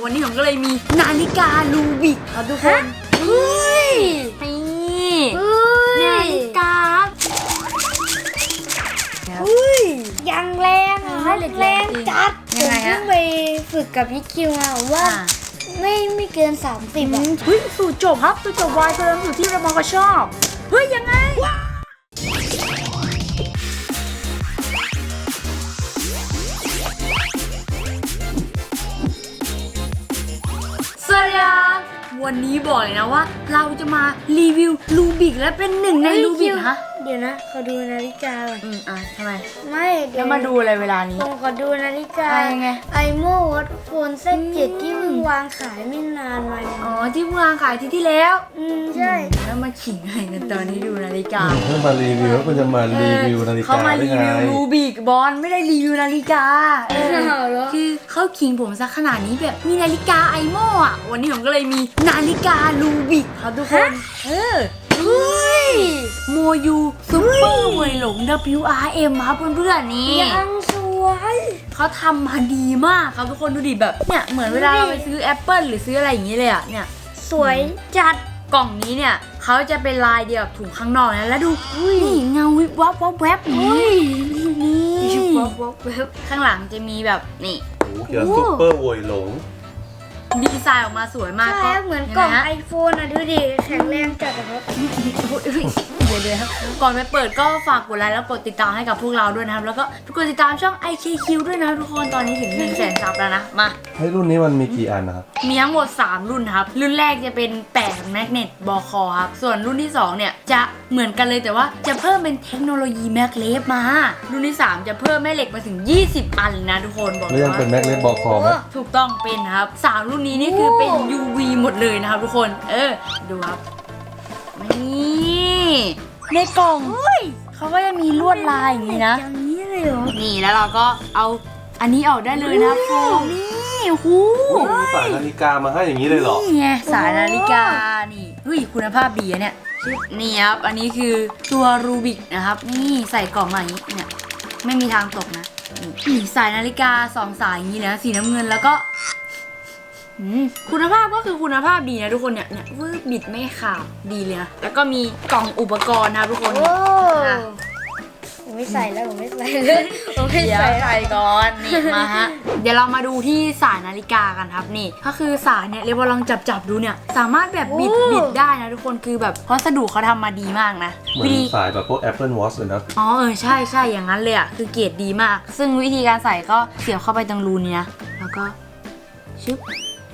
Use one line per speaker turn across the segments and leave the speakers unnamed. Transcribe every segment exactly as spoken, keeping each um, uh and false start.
วันนี้ผมก็เลยมีนาฬิกาลูบิกครับทุกคนเฮ้ยนี่นาฬิกา
อุ้ยยังแรงอ่ะแรงจัดผมเพิ่งไปฝึกกับพี่คิวมาว่าไม่ไม่เกินสามสิบอ่ะ
เฮ้ยสูตรจบครับสูตรจบวายเติมสูตรที่เราก็ชอบเฮ้ยยังไงสวัสดีครับวันนี้บอกเลยนะว่าเราจะมารีวิวลูบิกและเป็นหนึ่งในลูบิกฮะ
เดี๋ยวนะขอดูนาฬิกาก่อน
อืมอ่ะทำไม
ไม่
แล้วมาดูอะไรเวลานี้
ผมขอดูนาฬิกา
ไง
ไอโมวัดโฟนเซตเจ็ดที่เพิ่งวางขายไม่นานมา
อ๋อที่เพิ่งวางขายที่ที่แล้ว
อืมใช่
แล้วมาขิงอะไรกันตอนนี้ดูนาฬิกา
เพิ่งมารีวิวแล้วคุณจะมารีวิวนาฬิกา
เขามารีวิวลูบิกบอลไม่ได้รีวิวนาฬิกาคือเขาขิงผมซะขนาดนี้แบบมีนาฬิกาไอโม่อะวันนี้ผมก็เลยมีนาฬิกาลูบิกครับทุกคนเออเฮ้ยโมยูซุปเปอร์เวยหลง ดับเบิลยู อาร์ เอ็ม ครับเพื่อนๆนี่
ยังสวย
เขาทำมาดีมากครับทุกคนดูดิแบบเนี่ยเหมือนเวลาเราไปซื้อแอปเปิลหรือซื้ออะไรอย่างนี้เลยอะเนี่ย
สวยจัด
กล่องนี้เนี่ยเขาจะเป็นลายเดียวกับถุงข้างนอกนะแล้วดูนี่เงาวิบวับวับแวบนี่นี่วับวับแวบข้างหลังจะมีแบบนี่
โอ้เกี่ยวกับซุปเปอร์โวยหลง
ดีไซน์ออกมาสวยมาก
ก็เหมือนกล่องไอโฟนอ่ะดูดิแข็งแรงจัดครับ
เดี๋ยวเดี๋ยวก่อนไปเปิดก็ฝากกดไลค์แล้วกดติดตามให้กับพวกเราด้วยนะครับแล้วก็กดติดตามช่อง ไอ เค คิว ด้วยนะทุกคนตอนนี้ถึง หนึ่งแสน ซับแล้วนะมา
ให้รุ่นนี้มันมีกี่อันนะครับ
มีทั้งหมดสามรุ่นครับรุ่นแรกจะเป็นแปะแมกเนตบอคอครับส่วนรุ่นที่สองเนี่ยจะเหมือนกันเลยแต่ว่าจะเพิ่มเป็นเทคโนโลยีแมกเลฟมารุ่นที่สามจะเพิ่มแม่เหล็กมาถึงยี่สิบอันนะทุกคนบอก
แล้วยังเป็นแมกเลฟบอคอไหม
ถูกต้องเป็นครับสามรุ่นนี้นี่คือเป็น ยู วี หมดเลยนะครับทุกคนเออดูครับนี่ในกล่องเขาก็จะมีลวดลายอย่างนี้นะ
อย่างนี้เลยเหรอ
นี่แล้วเราก็เอาอันนี้ออกได้เลยนะโฟมนี่หู
มีสายนาฬิกามาให้อย่างนี้เลยเหรอ
นี่ไงสายนาฬิกานี่เฮ้ยคุณภาพดีอะเนี่ยนี่ครับอันนี้คือตัวรูบิกนะครับนี่ใส่กล่องมาอย่างนี้เนี่ยไม่มีทางตกนะนี่สายนาฬิกาสองสายอย่างนี้นะสีน้ำเงินแล้วก็คุณภาพก็คือคุณภาพดีนะทุกคนเนี่ยเนี่ยวืบบิดไม่ขาดดีเลยนะแล้วก็มีกล่องอุปกรณ์นะทุกคน
ผมไม่ใส่แล้วผมไม่ใส่เลยผมไม่ใส่
ใส่ก่อนนี่มาฮะเดี๋ยวเรามาดูที่สายนาฬิกากันครับนี่ก็คือสายเนี่ยเรียกว่าลองจับจับดูเนี่ยสามารถแบบบิดบิดได้นะทุกคนคือแบบวัสดุเขาทำมาดีมากนะ
เหมือนสายแบบพวก Apple Watch เลยนะ
อ๋อเออใช่ใช่อย่างนั้นเลยอ่ะคือเกรดดีมากซึ่งวิธีการใส่ก็เสียบเข้าไปตรงรูนี้นะแล้วก็ชึบ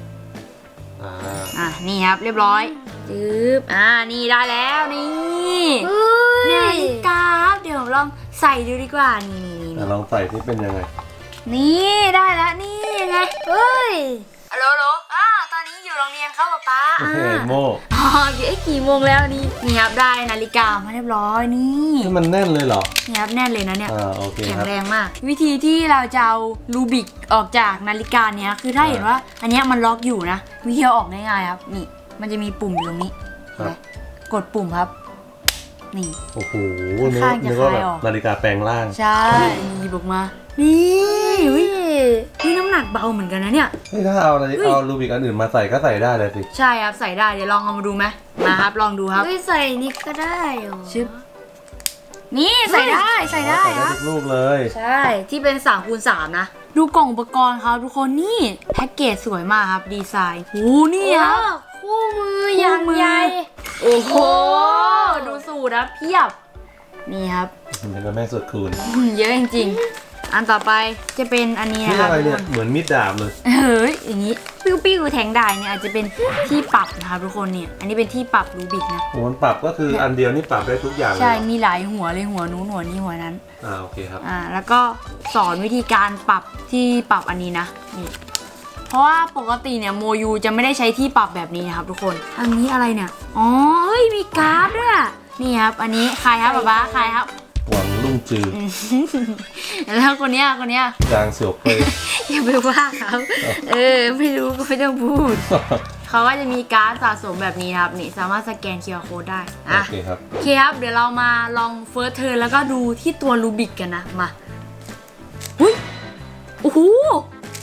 อ่ะนี่ครับเรียบร้อยจึ๊บอ่านี่ได้แล้วนี่นาฬิกาเดี๋ยวลองใส่ดูดีกว่านี่นี่
ลองใส่ที่เป็นยังไง
นี่ได้แล้วนี่ยังไงเฮ้ยฮัลโหลฮัลโหลอ่าตอนนี้อยู่โรงเรียนครับป๊าป๊า
โอเคโม
อ๋อเดี๋ยวกี่โมงแล้วนี่นี่ครับได้นาฬิกามาเรียบร้อยนี่
มันแน่นเลยเหรอ
นี่ครับแน่นเลยนะเนี่ย
อ่าโอเค
แข็งแรงมากวิธีที่เราจะเอาลูบิกออกจากนาฬิกาเนี้ยคือถ้าเห็นว่าอันเนี้ยมันล็อกอยู่นะวิธีเอาออกง่ายๆครับนี่มันจะมีปุ่มอยู่ตรงนี้กดปุ่มครับนี่
โอ้โหนึกว่าแบบนาฬิกาแปลงร่าง
ใช่หยิบออกมานี่นี่น้ำหนักเบาเหมือนกันนะเนี่ย
นี่ถ้าเอาอะไรเอาลูบิกอันอื่นมาใส่ก็ใส่ได้เลยสิ
ใช่ครับใส่ได้เดี๋ยวลองเอามาดูไหมมาครับลองดูครับ
ใส่นี่ก็ได้หรอ
ชึบนี่ใส่ได้ใส่ได้
ครับลูกเลย
ใช่ที่เป็นสามคูณสามนะดูกล่องอุปกรณ์ครับทุกคนนี่แพ็กเกจสวยมากครับดีไซน์โอ้นี่ครับ
คู่มืออย่างใหญ่
โอ้โหดูสูตรนะเพียบนี่ครับ
เป็นแม่สุดคูณ
เยอะจริงๆอันต่อไปจะเป็นอันนี้นะครับ
อะไรเนี่ยเหมือนมีดดาบเลย
เฮ้ยอย่างนี้ปิ้วปิ้วแทงได้เนี่ยอาจจะเป็นที่ปรับนะครับทุกคนเนี่ยอันนี้เป็นที่ปรับรูบิกนะ
หัวปรับก็คืออันเดียวนี่ปรับได้ทุกอย่าง
ใช่มีหลายหัวเลยหัวนู้นหัวนี้หัวนั้น
อ่าโอเคครับ
อ่าแล้วก็สอนวิธีการปรับที่ปรับอันนี้นะนี่เพราะว่าปกติเนี่ยโมยูจะไม่ได้ใช้ที่ปรับแบบนี้นะครับทุกคนอันนี้อะไรเนี่ยอ๋อเฮ้ยมีการ์ดด้วยนี่ครับอันนี้ใครครับป๊าป๊าใครครับ
หวังลุ่งจือ
แล้วคนเนี้ยคนเนี้ย
จางเสี่ยวเปย
อย่าไปว่าเขาเออไม่รู้ก็ไม่ต้องพูดเขาก็จะมีการ์ดสะสมแบบนี้ครับนี่สามารถสแกน คิว อาร์ Code ได้
โอเคครับ
โอเคครับเดี๋ยวเรามาลองเฟิร์สเทิร์นแล้วก็ดูที่ตัวรูบิกกันนะมาหุ้ยโอ้โห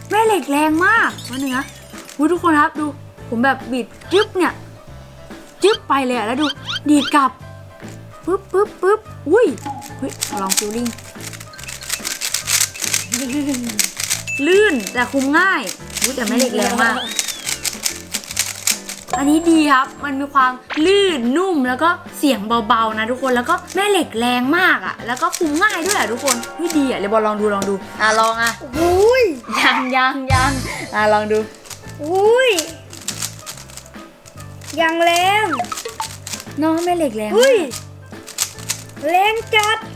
แม่เหล็กแรงมากวันหนึ่งนะอุ๊ยทุกคนครับดูผมแบบบิดจึ๊บเนี่ยจึ๊บไปเลยอะแล้วดูดีดกลับปึ๊บปึ๊บปึ๊บอุ้ยเฮ้ยลองฟิลลิ่งลื่นแต่คุมง่ายอุ๊ยแต่แม่เหล็กแรงมากอันนี้ดีครับมันมีความลื่นนุ่มแล้วก็เสียงเบาๆนะทุกคนแล้วก็แม่เหล็กแรงมากอ่ะแล้วก็คุมง่ายด้วยอ่ะทุกคนเฮ้ยดีอ่ะเลยบอลลองดูลองดูอ่ะลองอ่ะ
อุ้ย
ยังยังยังอ่ะลองดู
อุ้ยยังแรง
น้องแม่เหล็กแรง
อุ้ยแรงจัด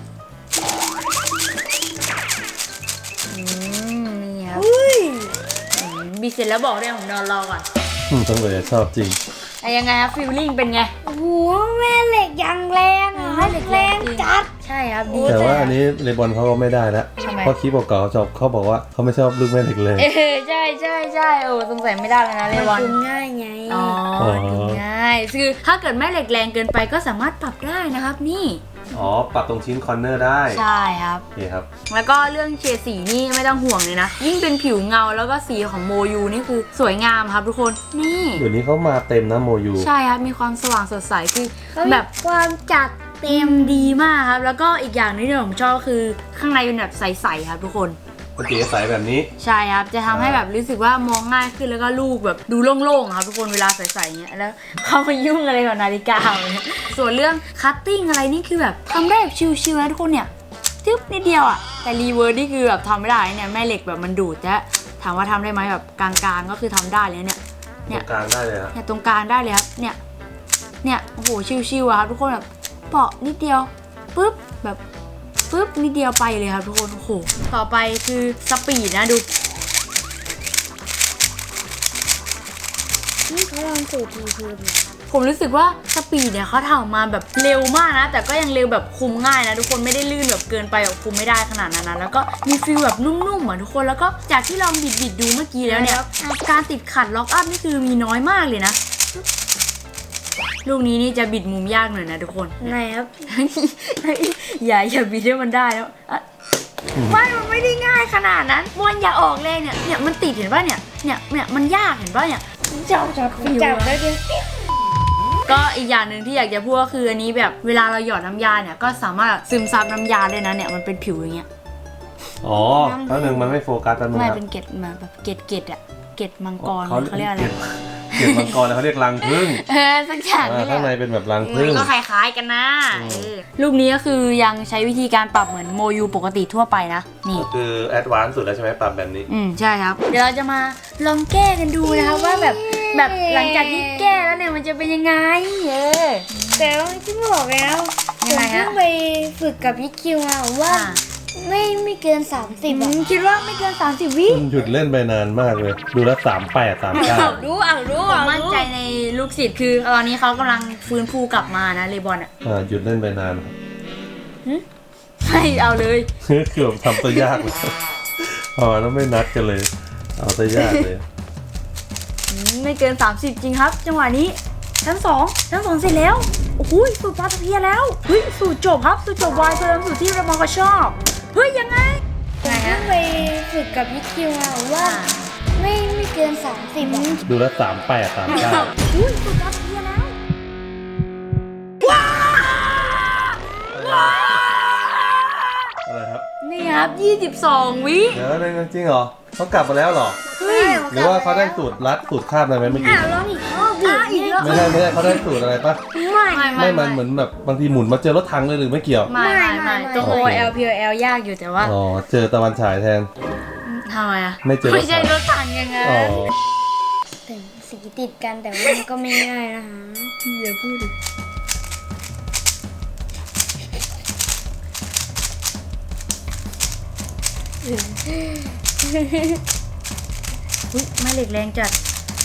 อืมนี่ครับ
อุ้ย
อืมบีเสร็จแล้วบอกด้วยผมนอนรอก่อน
อืมต้องเลยชอบจริง
อ่ะยังไงครับฟิลลิ่งเป็นไง
โอ้โหแม่เหล็กยังแรงอ่ะ
แม่เหล็กแรงจริง
จัด
ใช่ครับดี
แต่ว่าอันนี้เลบอนเขาก็ไม่ได้แล้ว
ทำไม
เพราะคลิปเก่าๆเขาชอบเขาบอกว่าเขาไม่ชอบลูกแม่เหล็กเลย
เออใช่ใช่ใช่โอ้สงสัยไม่ได้เลยนะเล
มัน
บอน
คุมง่ายไง
อ๋อ
อ๋อ
ดูง่ายคือถ้าเกิดแม่เหล็กแรงเกินไปก็สามารถปรับได้นะครับนี่
อ๋อ ปรับตรงชิ้นคอร์เนอร์ได้
ใช่ครับ
โอเคครับ
แล้วก็เรื่องเฉดสีนี่ไม่ต้องห่วงเลยนะ ยิ่งเป็นผิวเงาแล้วก็สีของโมยูนี่คือสวยงามครับทุกคนนี่
เดี๋ยวนี้เขามาเต็มนะโมยู
ใช่ครับมีความสว่างสดใสคือ
เขามี
แบบ
ความจัด
เต็มดีมากครับ แล้วก็อีกอย่างหนึงที่ผมชอบคือข้างในเป็นแบบใสๆครับทุกคน
ปกติใสแบบนี้
ใช่ครับจะทำให้แบบรู้สึกว่ามองง่ายขึ้นแล้วก็ลูกแบบดูโล่งๆครับทุกคนเวลาใส่ๆเงี้ยแล้วเข้ามายุ่งอะไรกับนาฬิกาเนี่ยส่วนเรื่องคัตติ้งอะไรนี่คือแบบทำได้แบบชิวๆนะทุกคนเนี่ยจึ๊บนิดเดียวอ่ะแต่รีเวิร์สนี่คือแบบทำไม่ได้เนี่ยแม่เหล็กแบบมันดูดจะถามว่าทำได้ไหมแบบกลางๆก็คือทำได้เลยเนี่ย
ต
เนี่
ร
ย
งกลางได้เลยครับ
เนี่ยตรงกลางได้เลยครับเนี่ยเนี่ยโอ้โหชิวๆอะครับทุกคนแบบเปาะนิดเดียวปุ๊บแบบปุ๊บนิดเดียวไปเลยครับทุกคนโอ้โหต่อไปคือสปีดนะดู
นี่เขาลองสูตรทีคืน
ผมรู้สึกว่าสปีดเนี่ยเขาทำออกมาแบบเร็วมากนะแต่ก็ยังเร็วแบบคุมง่ายนะทุกคนไม่ได้ลื่นแบบเกินไปแบบคุมไม่ได้ขนาดนั้นนะแล้วก็มีฟีลแบบนุ่มๆอ่ะทุกคนแล้วก็จากที่ลองบิดๆดูเมื่อกี้แล้วเนี่ยการติดขัดล็อกอัพนี่คือมีน้อยมากเลยนะลูกนี้นี่จะบิดมุมยากหน่อยนะทุกคน
ไหนครับ
อย่าอย่าบิดให้มันได้แล้วอ่ะไม่มันไม่ได้ง่ายขนาดนั้นบอลอย่าออกแรงเนี่ยเนี่ยมันติดเห็นป่ะเนี่ยเนี่ยเนี่ยมันยากเห็นป่ะเนี่ย
จับจับจับแล้วเดี๋ยว
ก็อีกอย่างหนึ่งที่อยากจะพูดก็คืออันนี้แบบเวลาเราหยอดน้ำยาเนี่ยก็สามารถซึมซับน้ำยาได้นะเนี่ยมันเป็นผิวอย่างเงี้ย
อ๋อแป๊บนึงมันไม่โฟกัสแป๊บนึง
ไม่
ครับ
เป็นเกล็ดมาแบบเกล็ดเกล็ดอะเกล็ดมังกร
เขา
เขาเรียกอะไร
เกล็ดมังกรแล้วเขาเรียกรังผึ้ง
เออสักอย่าง
อ่า
นี่แห
ข้างใน
ละ
เป็นแบบรัง
เอ
ผึ้
อง ก็คล้ายๆกันนะเออลูกนี้ก็คือยังใช้วิธีการปรับเหมือนโมยูปกติทั่วไปนะนี่
ก็คือแอดวานซ์สุดแล้วใช่ไหมปรับแบบนี้
อืมใช่ครับ เดี๋ยวเราจะมาลองแก้กันดูนะครับว่าแบบแบบหลังจากที่แก้แล้วเนี่ยมันจะเป็นยังไงเออ
แต่ว่าที่บอกแล้วผ
ยัง
ม
ไงฮะ
เพิ่งไปฝึกกับพี่คิวมาว่า
อ่า
ไม่ไม่เกินสามสิบ
อื
อ่ะ
มคิดว่าไม่เกินสามสิบวิ
หยุดเล่นไปนานมากเลย ดูแล้วสามแปดสามเก้า
รู้อ่ะรู้
ผ
อ่ะ
มมั่นใจในลูกศิษย์คือตอนนี้เขากำลังฟื้นฟูกลับมานะเลบอนอ่ะ
อ่าหยุดเล่นไปนานครับ
ไม่เอาเลย
เกือบทำตัวยากเลยพอแล้วไม่นัดกันเลย เอาตัวยากเลย
อืมไม่เกินสามสิบจริงครับ จังหวะนี้ชั้นสองชั้นสองเสร็จแล้วโอ้โหสูตรปลาตะเพียนแล้วเฮ้ยสูตรจบครับสูตรจบวายเพิ่มสูตรที่เรามองก็ชอบเฮ้ยยังไง
ผมเพิ่งไปฝึกกับพี่คิวมาว่าไม่ไม่เกินสามสิบอ่ะ
ดูแล้วสามแปดสามเก้า
อุ้ยสูตรปลาตะเพียนแล้วว้าวว้าว
อะไรครับ
นี่ครับยี่สิบสองวิ
เดี๋ยวนึงจริงเหรอเขากลับมาแล้วเหรอ
เฮ้ย
หรือว่าเขาได้สูตรลัดสูตรคาบอะไรไหมเมื่อกี้
อ่ะลองอีกรอบดิ
อ่ะอีกรอบ
ไม่ใช่ไม่ใช่เขาได้สูตรอะไรปะ
ไม่
ไม่
ไม่มันเหมือนแบบบางทีหมุนมาเจอรถถังเลยหรือไม่เกี่ยว
ไม่ไม่
ไม่
ไม่
ไม่
ตัว
โอ
O
เค
L P O L ยากอยู่แต่ว่า
อ๋อเจอตะวันฉายแทน
ทำไมอ่ะ
ไม่เจอรถถัง
ไม่ใช่รถถังยังไง
อ๋อ
ถึงสีติดกันแต่ว่ามันก็ไม่ง่ายนะคะ
อย่าพูดดิอุ้ยแม่เหล็กแรงจัด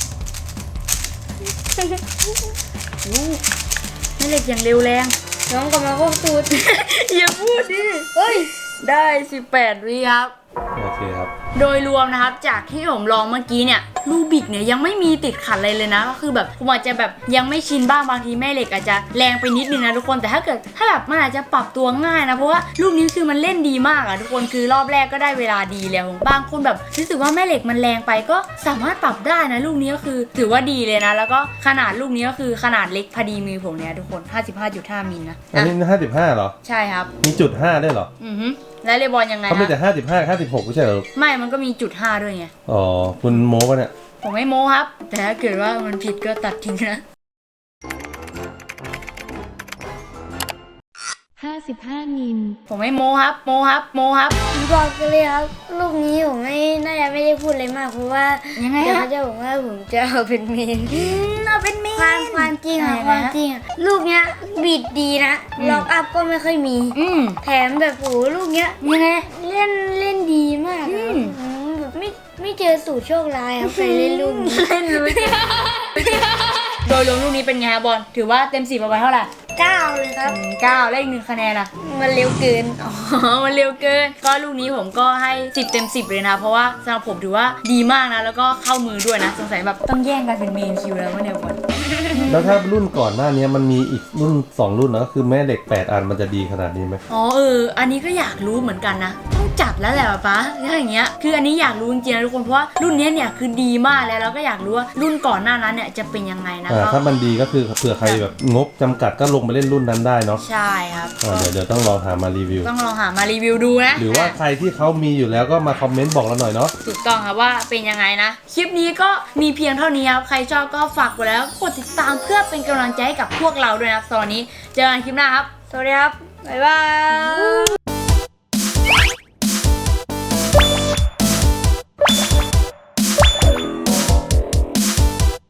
อู้แม่เหล็กอย่างเร็วแรง
น้องกำลังก็สูตร
อย่าพูดดิ
เฮ้ย
ได้สิบแปดวิครับ
โอเคเคครับ
โดยรวมนะครับจากที่ผมลองเมื่อกี้เนี่ยลูบิกเนี่ยยังไม่มีติดขัดอะไรเลยนะก็คือแบบผมอาจจะแบบยังไม่ชินบ้างบางทีแม่เหล็กอาจจะแรงไปนิดนึงนะทุกคนแต่ถ้าเกิดถ้าแบบมันอาจจะปรับตัวง่ายนะเพราะว่าลูกนี้คือมันเล่นดีมากอะทุกคนคือรอบแรกก็ได้เวลาดีแล้วบางคนแบบรู้สึกว่าแม่เหล็กมันแรงไปก็สามารถปรับได้นะลูกนี้ก็คือถือว่าดีเลยนะแล้วก็ขนาดลูกนี้ก็คือขนาดเล็กพอดีมือผมเนี่ยทุกคน ห้าสิบห้าจุดห้า มิลนะ
อันนี้ห้าสิบห้าเหรอ
ใช่ครับ
มีจุดห้าด้วยเหรอ
อือฮึแล้วเลบอลยังไง
เขาไม่
ฮะ
แต่ห้าสิบห้าห้าสิบหกไม่ใช่เหรอ
ไม่มันก็มีจุดห้าด้วยไง
อ๋อคุณโม้ปะเนี่ย
ผมไม่โม้ครับ แต่ถ้าเกิดว่ามันผิดก็ตัดทิ้งนะ
ห้าสิบห้า มิล
ผมไม่โม้ครับ โม้ครับ โม้ครับ
บอกกันเลยครับลูกนี้ผมไม่น่าจะไม่ได้พูดอะไรมากเพราะว่า
ยังไง
เดี๋ยว
ฮะ
เขาจะบอกว่าผมจะเอาเป็นเมน
เอาเป็นเมน
ความความจริงอะ
ยัง
ค
ไง
วาม
ฮะ
จริงอะลูกเนี้ยบิดดีนะ
อืม
ล็อกอัพก็ไม่ค่อยมี
อืม
แถมแบบโอ้โหลูกเนี้ย
ยังไง
เล่นเล่นดีมาก
อื
อะ
ม
อืมแบบไม่ไม่เจอสูตรโชคร้ายครับใครเล่นลูกนี้
เล่นรู้จริงโดยรวมลูกนี้เป็นไงครับบอล ถือว่าเต็มสิบเอาไว้เท่าไหร่
เก้าเลยครับ
อืมเก้าเลขหนึ่งคะแนนอะ
มันเร็วเกิน
อ๋อ มันเร็วเกิน ก็ลูกนี้ผมก็ให้สิบเต็มสิบเลยนะ เพราะว่าสำหรับผมถือว่าดีมากนะ แล้วก็เข้ามือด้วยนะ สงสัยแบบต้องแย่งกันเป็นเมนคิวแล้วว่าเดี๋ยวก่อน
แล้วถ้ารุ่นก่อนหน้านี้มันมีอีกรุ่นสองรุ่นนะก็คือแม่เหล็กแปดอันมันจะดีขนาดนี้ไหม
อ๋อเออ อันนี้ก็อยากรู้เหมือนกันนะ ต้องจัดแล้วแหละป๊าถ้าอย่างเงี้ย คืออันนี้อยากรู้จริงๆนะทุกคน เพราะว่ารุ่นเนี้ยเนี่ยคือดีมากแล้ว แล้วก็อยากรู้ว่ารุ่นก่อนหน้านั้นเนี่ยจะเป็นยังไงนะ
อ่า
ก็
ถ้ามันดีก็คือเผื่อใครแบบงบจำกัดก็ลงไปเล่นรุ่นนั้นได้เนาะ
ใช่ครับ
อ่าเดี๋ยวเดี๋ยวต้องลองหามารีวิว
ต้องลองหามารีวิวดูนะ
หรือว่าใครที่เขามีอยู่แล้วก็มาคอมเมนต์บอกเราหน่อยเนาะ
ถูกต้องครับว่าเป็นยังไงนะ คลิปนี้ก็มีเพียงเท่านี้ครับ ใครชอบก็ฝากกดแล้วกดติดตามเพื่อเป็นกำลังใจให้กับพวกเราด้วยนะครับตอนนี้เจอกันคลิปหน้าครับ
สวัสดีครับ บ๊ายบาย